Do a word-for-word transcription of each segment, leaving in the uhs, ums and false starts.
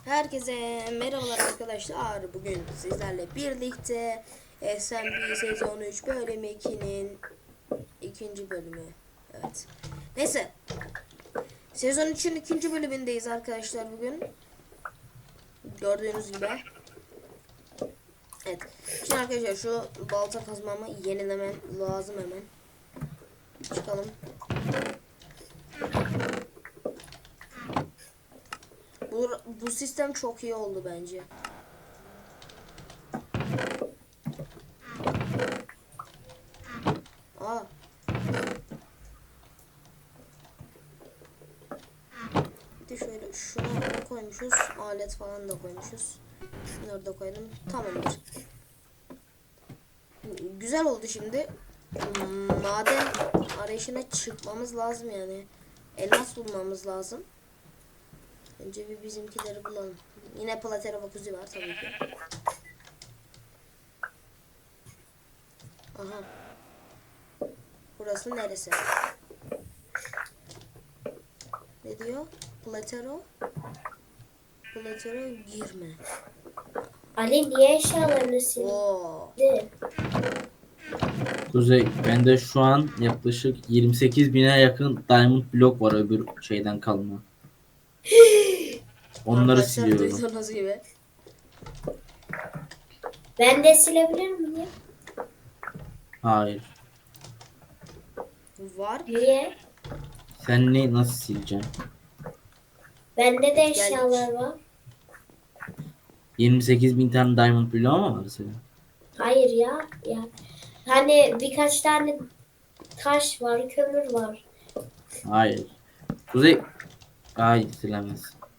Herkese merhabalar arkadaşlar. Bugün sizlerle birlikte S M B sezon üç bölüm iki'nin ikinci bölümü. Evet. Neyse. Sezon üçün ikinci bölümündeyiz arkadaşlar bugün. Gördüğünüz gibi. Evet. Şimdi arkadaşlar şu balta kazmamı yenilemem lazım hemen. Çıkalım. Bu, bu sistem çok iyi oldu bence. Aa. Bir de şöyle şunu koymuşuz. Alet falan da koymuşuz. Şunları da koydum. Tamamdır. Güzel oldu şimdi. Maden arayışına çıkmamız lazım yani. Elmas bulmamız lazım. Önce bir bizimkileri bulalım. Yine Platera Vakuzi var tabii ki. Aha. Burası neresi? Ne diyor? Platero. Platero girme. Ali niye eşyalarını Oo. sildi? Kuzey, bende şu an yaklaşık yirmi sekiz bine yakın diamond blok var öbür şeyden kalma. Onları Arkadaşlar siliyorum. duyduğunuz gibi. Ben de silebilir miyim? Hayır. Var. Niye? Sen ne nasıl sileceksin? Bende de eşyalar var. yirmi sekiz bin tane diamond bloğu mu var senin? Hayır ya. Ya. Hani birkaç tane taş var, kömür var. Hayır. Kuzey, hayır silemez.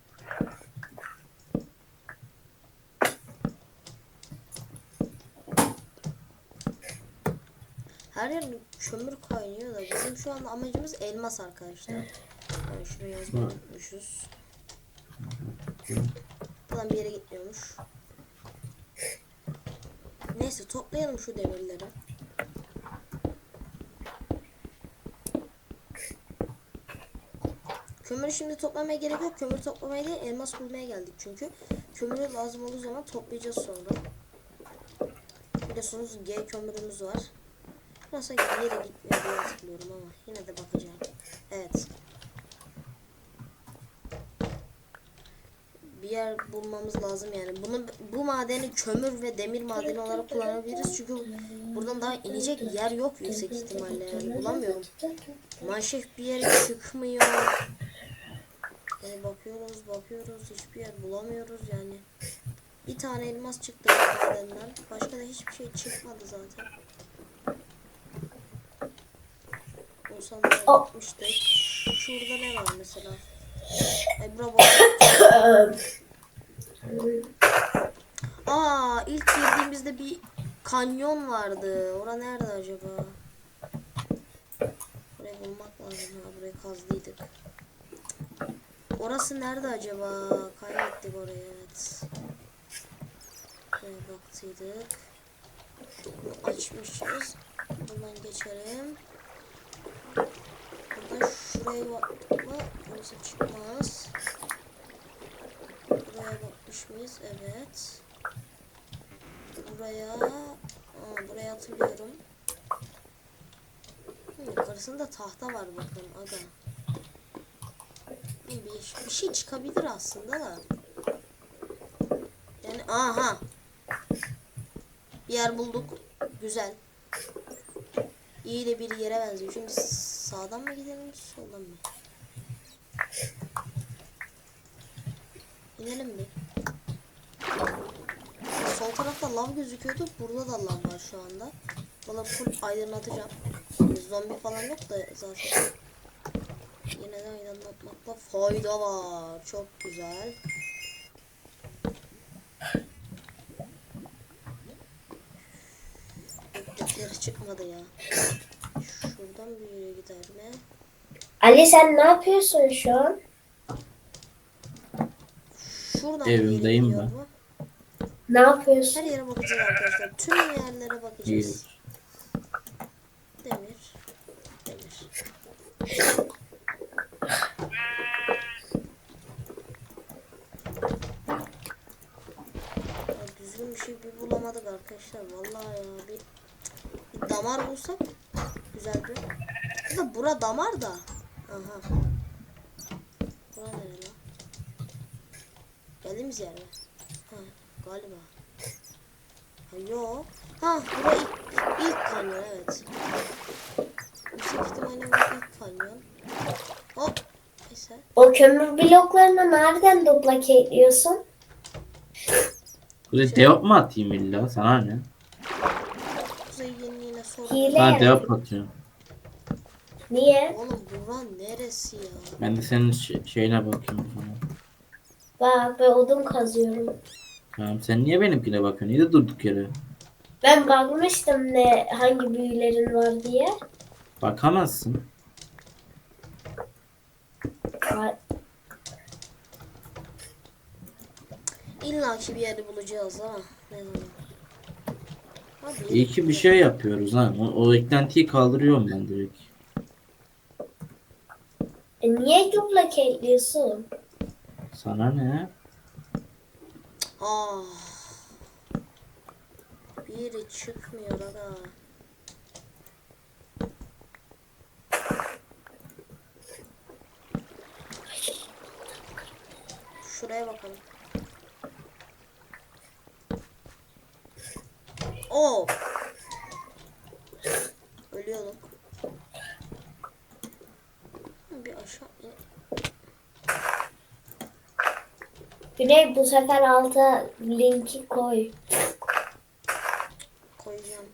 Her yer kömür kaynıyor da bizim şu anda amacımız elmas arkadaşlar. Yani şuraya yazmayı unutmuşuz. Falan bir yere gitmiyormuş. Neyse toplayalım şu demirleri. Kömürü şimdi toplamaya gerek yok. Kömür toplamaya değil elmas bulmaya geldik çünkü. Kömürü lazım olduğu zaman toplayacağız sonra. Biliyorsunuz G kömürümüz var. Nasıl yere gitmiyor diye hatırlıyorum ama yine de bakacağım. Evet. Bir yer bulmamız lazım yani. Bunu bu madeni kömür ve demir madeni olarak kullanabiliriz çünkü buradan daha inecek yer yok yüksek ihtimalle yani bulamıyorum. Manşef bir yere çıkmıyor. Yani bakıyoruz bakıyoruz hiçbir yer bulamıyoruz yani. Bir tane elmas çıktı madenden. Başka da hiçbir şey çıkmadı zaten. Olsam da yapmıştık. Şurada ne var mesela? Ay bravo. Aa ilk girdiğimizde bir kanyon vardı. Ora nerede acaba? Burayı bulmak lazım ha. Burayı kazdıydık. Orası nerede acaba? Kaybettik orayı evet. Buraya baktıydık. Bunu açmışız. Buradan geçelim. Burada şuraya baktık mı? Burası çıkmaz. Buraya bakmış mıyız? Evet. Buraya Aa, buraya hatırlıyorum. Hı, yukarısında tahta var bakın aga. Bir, bir şey çıkabilir aslında da. Yani aha. Bir yer bulduk. Güzel. İyi de bir yere benziyor. Şimdi sağdan mı gidelim soldan mı? İnelim mi? Sol tarafta lav gözüküyordu. Burada da lav var şu anda. Valla full aydınlatacağım. Zombi falan yok da zaten. Yine de aydınlatmakta fayda var. Çok güzel. Bekletleri çıkmadı ya. Şuradan bir yere gider mi? Ali sen ne yapıyorsun şu an? Şuradan bir yere Evimdeyim gidiyor ben. mu? Ne yapıyorsun? Her yere bakacağız arkadaşlar. Tüm yerlere bakacağız. İyi. Demir. Demir. bir şey bir bulamadık arkadaşlar. Vallahi ya bir, bir damar bulsak güzel bir. Bir de bura damar da. Aha. Bura nere lan? Geldiğimiz yer mi? Ha, galiba. Ha, yok. Ha, bura ilk, ilk kanyon evet. Yüksek ihtimalle bu ilk kanyon. Hop. Neyse. O kömür bloklarını nereden duplake ediyorsun? Böyle deop mu atayım illa? Sana ne? Kuzey yeniliğine sorun. Hile. Ben yani. deop atıyorum. Niye? Oğlum bura neresi ya? Ben de senin ş- şeyine bakayım o zaman. Bak ben odun kazıyorum. Tamam, sen niye benimkine bakıyorsun? Niye de durduk yere? Ben bakmıştım ne hangi büyülerin var diye. Bakamazsın. Var. İlla ki bir yeri bulacağız ama ne zaman? Hadi İyi ki bir şey yapıyoruz ha. O, o eklentiyi kaldırıyorum ben direkt. E niye duplake ediyorsun? Sana ne? Ah. Biri çıkmıyor aga. Şuraya bakalım. Oh. Ölüyordum. Bir aşağı in. Güney bu sefer alta linki koy. Koyacağım.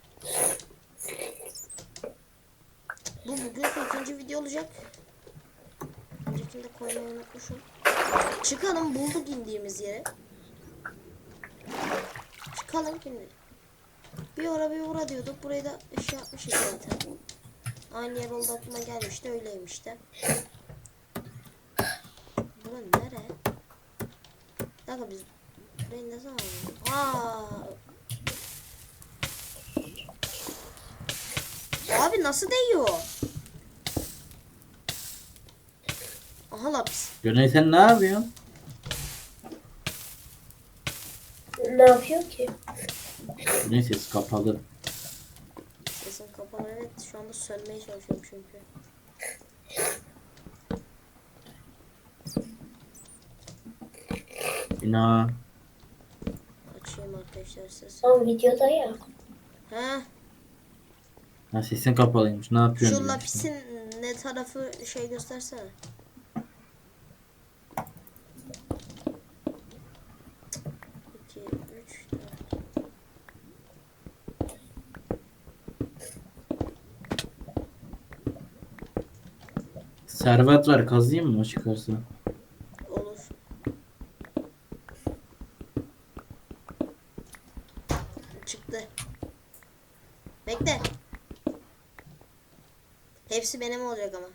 Bu bugünkü ikinci video olacak. Öncekini de koymayı unutmuşum. Çıkalım, bulduk indiğimiz yere. Çıkalım şimdi. Bir ora bir ora diyorduk. Burayı da şey yapmışız zaten. Aynı yer oldu aklıma gelmişti. Öyleymiş de. Bura nere? Bir dakika biz burayı ne zaman aldık? Aa. Abi nasıl değiyor? Aha lapis. Güney sen ne yapıyorsun? Ne yapıyor ki? Güney ses kapalı. Sesim kapalı, evet, şu anda sönmeye çalışıyorum çünkü. İna. Açayım arkadaşlar sesi. Tam videoda ya. He, Ha, sesin kapalıymış. Ne yapıyorsun? şu dedim lapisin ne tarafı şey göstersene. iki, üç, dört. Servet var, kazıyım mı o çıkarsa? Olur. Çıktı. Bekle. Hepsi benim olacak ama.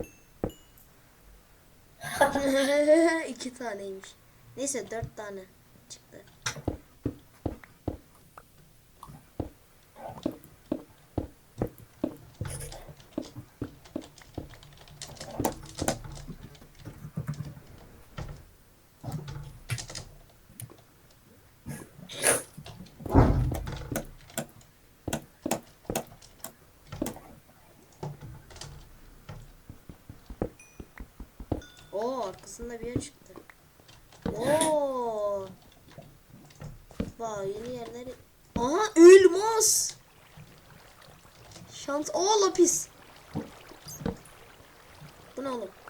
İki taneymiş. Neyse dört tane çıktı. Oo, arkasında bir yer çıktı. Oo. Vay, yeni yerleri. Aha, elmas. Şans. Oo, lapis. Bu ne oğlum?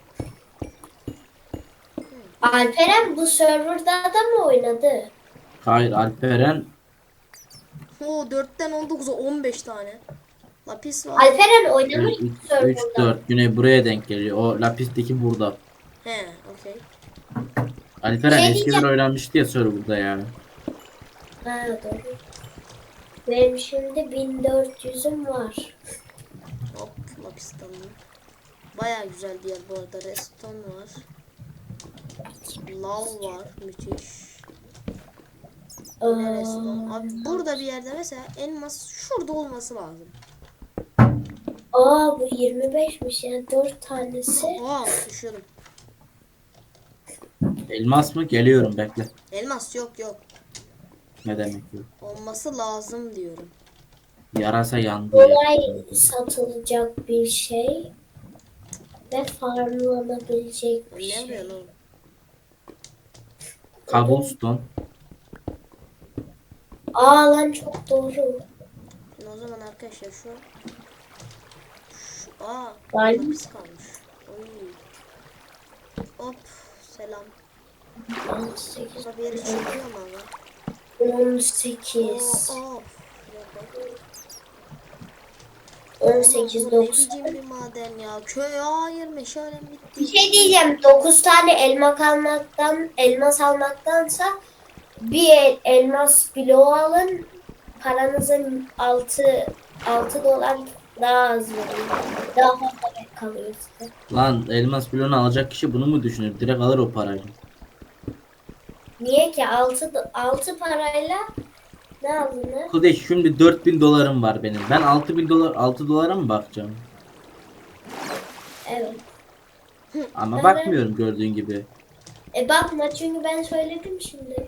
Alperen bu serverda da mı oynadı? Hayır, Alperen Oo, dörtten on dokuza on beş tane. Lapis var. Alperen oynamış mı üç serverda? dört. Güney buraya denk geliyor. O lapisteki burada. He, okey. Alperen Şey eski bir diyeceğim. oynanmıştı ya serverda yani. Ha doğru. Benim şimdi bin dört yüzüm var. Hop, lapis alalım. Baya güzel bir yer bu arada. Redstone var. Lav var. Müthiş. Yine redstone. Abi burada bir yerde mesela elmas şurada olması lazım. Aa bu yirmi beşmiş yani dört tanesi. Aa, düşüyorum. Elmas mı? Geliyorum, bekle. Elmas yok yok. Ne demek yok. Olması lazım diyorum. Yarasa yandı ya. Kolay satılacak bir şey ve farmlanabilecek bir Ne şey. yapıyorsun oğlum? Cobblestone. Aa lan çok doğru. Şimdi o zaman arkadaşlar şu şu aa Vay. burada pis kalmış. Oy. Hop selam. on sekiz. Burada bir yere çekiyor mu ama? on Oo, sekiz. oo. on sekiz Ne dokuz. biçim bir maden ya. Köy hayır meşalem Bir bitti. şey diyeceğim. dokuz tane elma almaktan, elmas almaktansa bir el- elmas bloğu alın. Paranızın altı altı dolar daha az veriyor. Daha fazla kalıyor size. Lan elmas bloğunu alacak kişi bunu mu düşünür? Direkt alır o parayı. Niye ki altı altı parayla ne aldın? Kudey şimdi dört bin dolarım var benim. Ben altı bin dolar altı dolara mı bakacağım? Evet. Ama Evet. bakmıyorum gördüğün gibi. E bakma çünkü ben söyledim şimdi.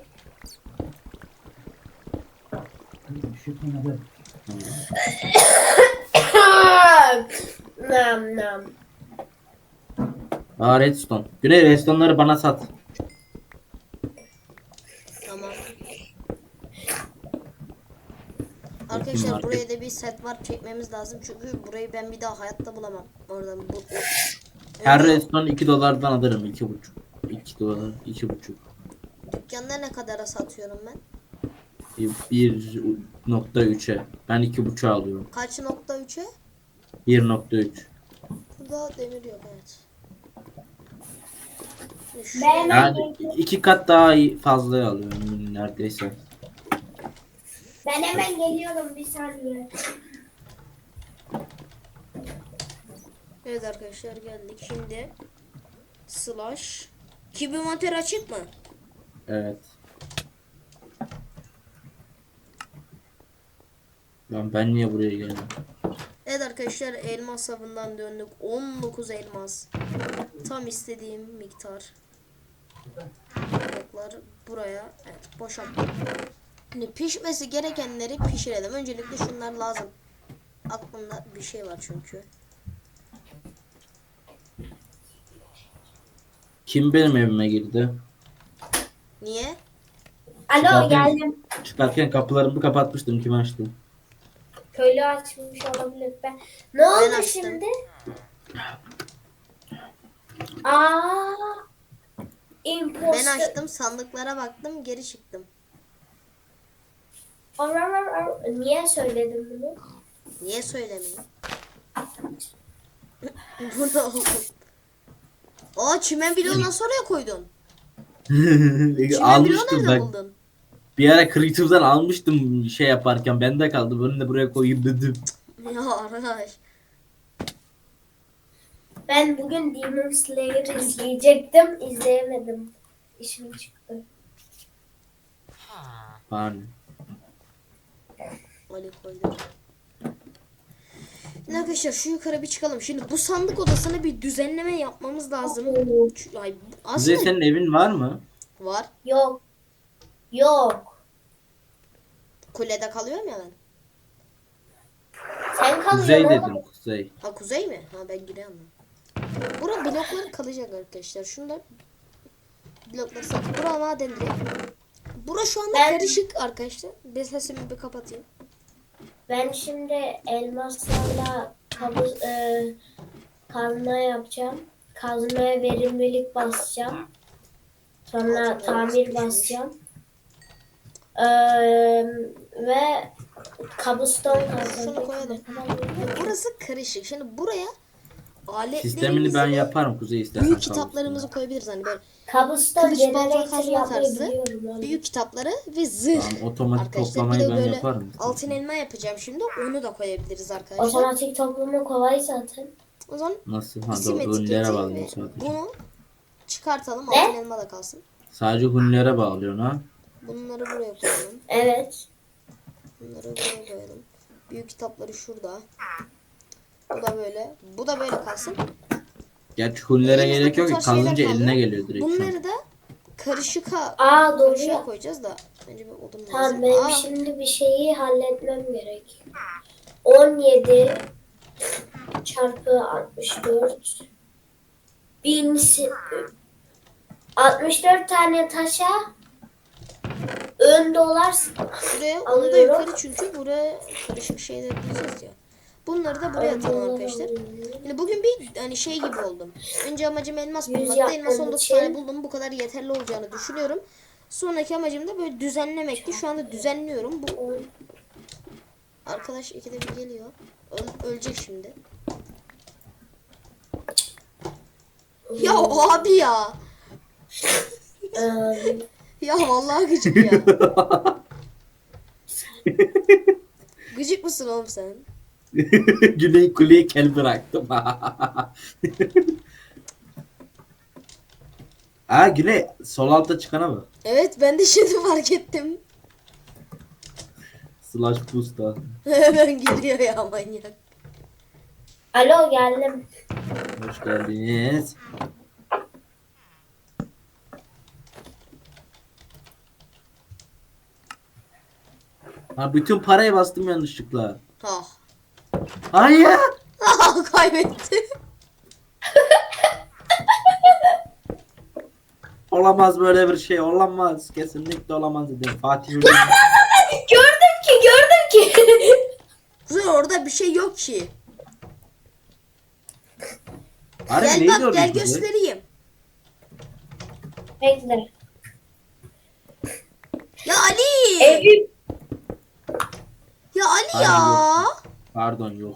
nam nam. Aa redstone. Güney redstone'ları bana sat. Tamam. Arkadaşlar buraya da bir set var çekmemiz lazım çünkü burayı ben bir daha hayatta bulamam. Oradan bu. o- Her Öyle- redstone iki dolardan alırım. iki buçuk. iki dolar. iki buçuk. Dükkanda ne kadara satıyorum ben? bir nokta üçe. Ben iki buçuğa alıyorum. Kaç nokta üçe? bir nokta üç. Burada demir yok evet. Şu- Ben- Yani iki kat daha iyi fazla alıyorum neredeyse. Ben hemen geliyorum bir saniye. Evet arkadaşlar geldik şimdi. Slash. Kibimonter açık mı? Evet. Lan ben niye buraya geldim? Evet arkadaşlar elmas avından döndük. on dokuz elmas. Tam istediğim miktar. Bloklar buraya. Evet boşalttım. Şimdi pişmesi gerekenleri pişirelim. Öncelikle şunlar lazım. Aklımda bir şey var çünkü. Kim benim evime girdi? Niye? Alo Zaten- geldim. Çıkarken kapılarımı kapatmıştım. Kim açtı? Köylü açmış olabilir. Ben... Ne oldu açtım. şimdi? Aa, Ben imposter. açtım sandıklara baktım geri çıktım. Ar- ar- ar- ar- Niye söyledim bunu? Niye söylemeyeyim? Bu ne oldu? Aa çimen bloğu nasıl oraya koydun? Çimen bloğu Almıştım nerede bak. buldun? Bir ara Creative'dan almıştım şey yaparken. Bende kaldı. Bunu da buraya koyayım dedim. Ya arkadaş. Ben bugün Demon Slayer izleyecektim. İzleyemedim. İşim çıktı. Bana. Ali koydu. Şimdi arkadaşlar şu yukarı bir çıkalım. Şimdi bu sandık odasına bir düzenleme yapmamız lazım. Şu- Ay, Kuzey aslında senin evin var mı? var. Yok. Yok. Kulede kalıyorum ya ben. Sen Kuzey kalıyorsun dedim oğlum. kuzey. Ha kuzey mi? Ha ben giriyorum. Bura blokları kalacak arkadaşlar. Şunlar blokları sak. Bura maden direkt. Bura şu anda Ben- karışık arkadaşlar. Ben sesimi bir kapatayım. Ben şimdi elmaslarla kabus, e, kazma yapacağım. Kazmaya verimlilik basacağım. Sonra tamir basacağım. Ee, ve kabuston Şunu koyalım. Burası karışık. Şimdi buraya Sistemini aletlerimizi ben ve yaparım kuzey istersen. büyük kalsın. kitaplarımızı koyabiliriz. Hani böyle Kabuston kılıç balta generator kazma yapmayı tarzı biliyorum. yani. büyük kitapları ve zırh. Tamam, otomatik Arkadaşlar bir toplamayı de ben böyle yaparım. altın elma yapacağım şimdi. Onu da koyabiliriz arkadaşlar. Otomatik toplama kolay zaten. O zaman Nasıl? Ha isim doğru. Hunlere etiketi bağlıyor ve sadece. bunu çıkartalım. Ne? Altın elma da kalsın. Sadece hunlere bağlıyorsun ha. Bunları buraya koyalım. Evet. Bunları buraya koyalım. Büyük kitapları şurada. Bu da böyle. Bu da böyle kalsın. Gerçi hunlere Elimizde gerek bu yok ki tarz şeyler kalınca kalıyor. eline geliyor direkt. şu an. Bunları da karışık ha Aa doğru karışığa ya. koyacağız da. Bence bir odun lazım. Tamam benim Aa, şimdi bir şeyi halletmem gerek. on yedi çarpı altmış dört. bin altmış dört tane taşa on dolar buraya onu da alıyorum. yukarı çünkü buraya karışık şeyler diyeceğiz ya. Bunları da buraya atalım arkadaşlar. Yani bugün bir hani şey gibi oldum. Önce amacım elmas Yüz bulmaktı. Elmas yapmam on dokuz için- tane buldum. Bu kadar yeterli olacağını düşünüyorum. Sonraki amacım da böyle düzenlemekti. Şu anda düzenliyorum. Bu arkadaş ikide bir geliyor. Öl- ölecek şimdi. Ya abi ya. Eee, Ya vallahi gıcık ya. Gıcık mısın oğlum sen? Güney kuleyi kel bıraktım. Ha Güney sol alta çıkana mı? Evet ben de şimdi fark ettim. Slash boost'a. Hemen geliyor ya manyak. Alo geldim. Hoş geldiniz. Ha bütün parayı bastım yanlışlıkla. Ah. Hayır. Ah kaybetti. Olamaz böyle bir şey. Olamaz. Kesinlikle olamaz dedim. Fatih Hoca. Gördüm ki gördüm ki. Kuzey orada bir şey yok ki. Harbi Gel neydi bak orada gel Kuzey? göstereyim. Bekle. Ya Ali. Evim. Ya Ali Hayır, ya. Pardon yok.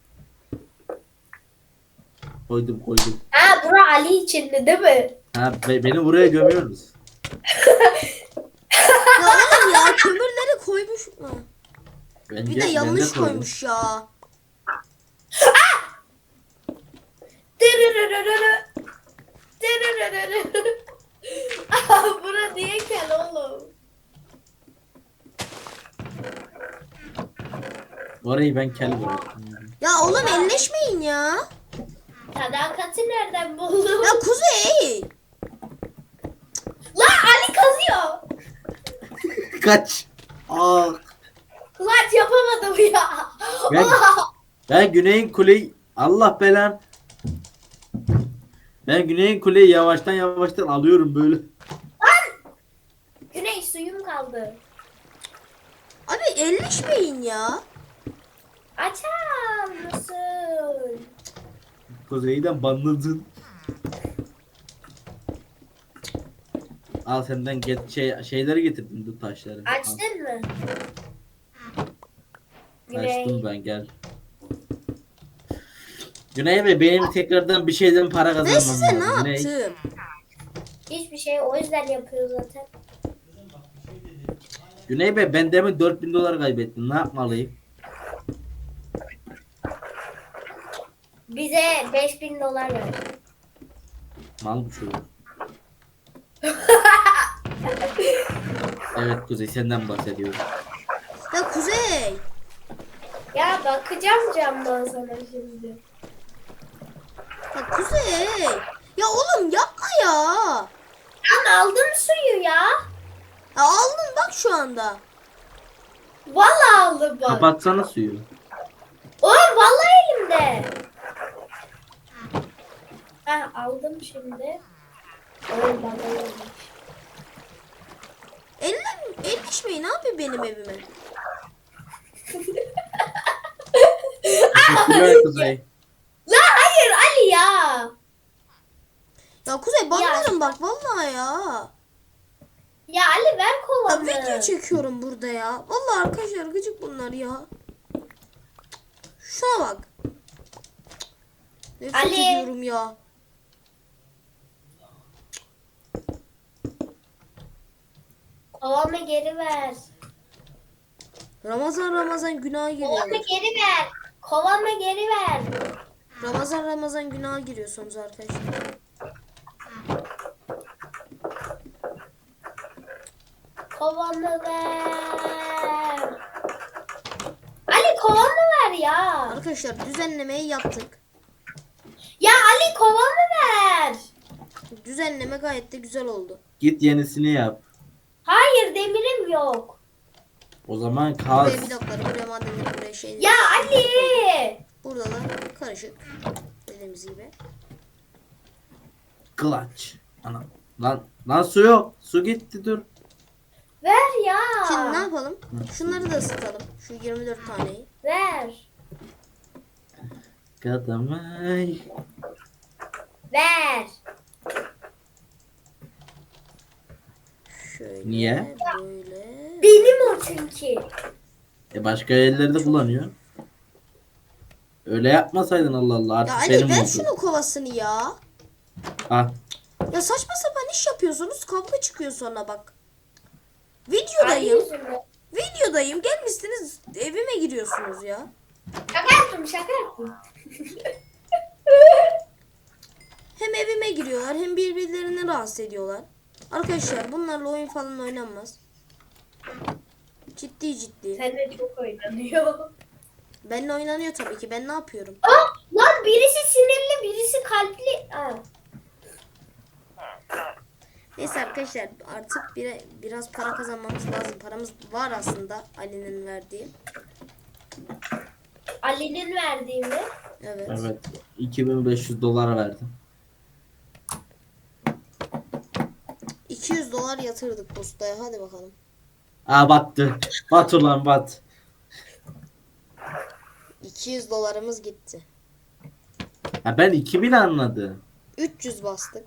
Koydum koydum. Ha bura Ali içindi değil mi? Ha be- beni buraya gömüyoruz. Ya oğlum ya kömürleri koymuş. Ha. Bence, Bir de ben yanlış koydum. koymuş ya. Dırırırırırı. Dırırırırırı. Aa, bura niye kel oğlum? Orayı ben kel bıraktım. Ya oğlum elleşmeyin ya. Sadakati nereden buldun? Ya Kuzey. Lan Ali kazıyor. Kaç. Ah. Lan yapamadım ya. Ben, ben Güney'in kuleyi Allah belan. Ben Güney'in kuleyi yavaştan yavaştan alıyorum böyle. Güney suyum kaldı. Abi elleşmeyin ya. Açar mısın? Kuzey'den banladın. Al senden get şey, şeyleri getirdim bu taşları. Al, Açtın mı? Güney. açtım ben gel. Güney Bey benim tekrardan bir şeyden para Ben kazanmam size ne lazım. Güney. yaptım? Hiçbir şey o yüzden yapıyor zaten. Güney Bey ben demin dört bin dolar kaybettim. Ne yapmalıyım? Bize beş bin dolar ver. Mal bu çocuk. Evet Kuzey senden bahsediyorum. Ya Kuzey. Ya bakacağım camdan sana şimdi. Ya Kuzey. Ya oğlum yapma ya. Lan aldım suyu ya. Ya aldın bak şu anda. Vallahi aldım bak. Kapatsana suyu. Oğlum vallahi elimde. Ha aldım şimdi. Oğlum bana olmuş. Elle, elleşmeyin abi benim evime. Teşekkürler Kuzey. La hayır Ali ya. Ya Kuzey banlarım bak vallahi ya. Ya Ali ver Ya kovanı. video çekiyorum burada ya. Vallahi arkadaşlar gıcık bunlar ya. Şuna bak. Nefret Ali. ediyorum ya. Kovanı geri ver. Ramazan Ramazan günaha Kovanı giriyor. geri ver. Kovanı geri ver. Ramazan Ramazan günaha giriyorsunuz arkadaşlar. Kovanı ver. Ali kovanı ver ya. Arkadaşlar düzenlemeyi yaptık. Ya Ali kovanı ver. Düzenleme gayet de güzel oldu. Git yenisini yap. Hayır demirim blok yok. O zaman kaz. Buraya blokları, buraya madenleri, buraya şeyleri. Ya Ali. Burada da karışık. Dediğimiz gibi. Clutch. Ana. Lan, lan su yok. Su gitti dur. Ver ya. Şimdi ne yapalım? Şunları da ısıtalım. Şu yirmi dört taneyi. Ver. Kadamay. Ver. Şöyle. Niye? Böyle. Benim o çünkü. E başka yerleri de kullanıyor. Öyle yapmasaydın Allah Allah Ya artık Ali benim ver oldu. şunu kovasını ya. Ha. Ya saçma sapan iş yapıyorsunuz. Kavga çıkıyor sonra bak. Ali Videodayım. yüzünden. Videodayım. Gelmişsiniz evime giriyorsunuz ya. Şaka yaptım şaka yaptım. Hem evime giriyorlar hem birbirlerini rahatsız ediyorlar. Arkadaşlar bunlarla oyun falan oynanmaz. Ciddi ciddi. Seninle çok oynanıyor. Benimle oynanıyor tabii ki. Ben ne yapıyorum? Aa, lan birisi sinirli birisi kalpli. Aa. Neyse arkadaşlar artık bir, biraz para kazanmamız lazım. Paramız var aslında Ali'nin verdiği. Ali'nin verdiği mi? Evet. Evet. iki bin beş yüz dolar verdim. iki yüz dolar yatırdık postaya. Hadi bakalım. Aa battı. Bat ulan bat. iki yüz dolarımız gitti. Ha ben iki bin anladım. üç yüz bastık.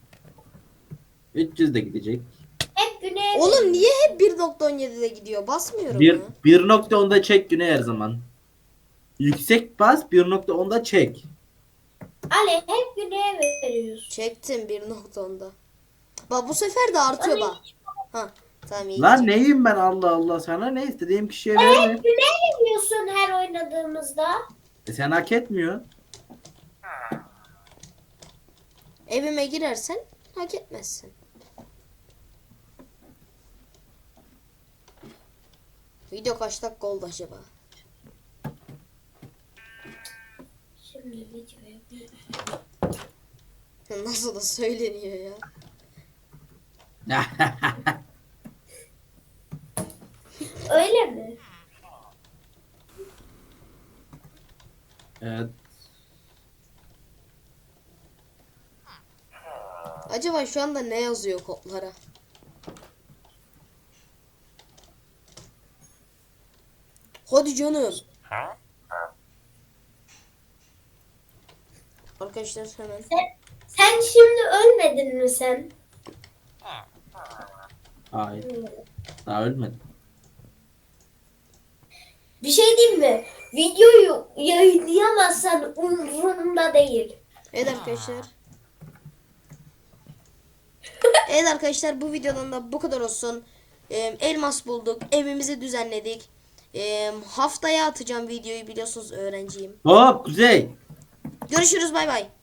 üç yüz de gidecek. Hep güney. Oğlum niye hep bir nokta on yedide gidiyor? Basmıyorum Bir, ya. bir nokta onda çek güne her zaman. Yüksek bas bir nokta onda çek. Ali hep güneye veriyorsun. Çektim bir nokta onda. Bak bu sefer de artıyor bak. Ha tamam iyi. Lan gidecek. neyim ben Allah Allah sana ne istediğim kişiye verme. Hep güneye veriyorsun her oynadığımızda. E sen hak etmiyorsun. Evime girersen hak etmezsin. Video kaç dakika oldu acaba? Şimdi videoya bir... Nasıl da söyleniyor ya. Öyle mi? Evet. Acaba şu anda ne yazıyor kodlara? Hadi canım. Arkadaşlar hemen. Sen, sen şimdi ölmedin mi sen? Hayır. Daha ölmedim. Bir şey diyeyim mi? Videoyu yayınlayamazsan umurumda değil. Evet arkadaşlar. Evet arkadaşlar bu videodan da bu kadar olsun. Ee, elmas bulduk. Evimizi düzenledik. Ee, haftaya atacağım videoyu biliyorsunuz öğrenciyim. Hop Kuzey. Görüşürüz bay bay.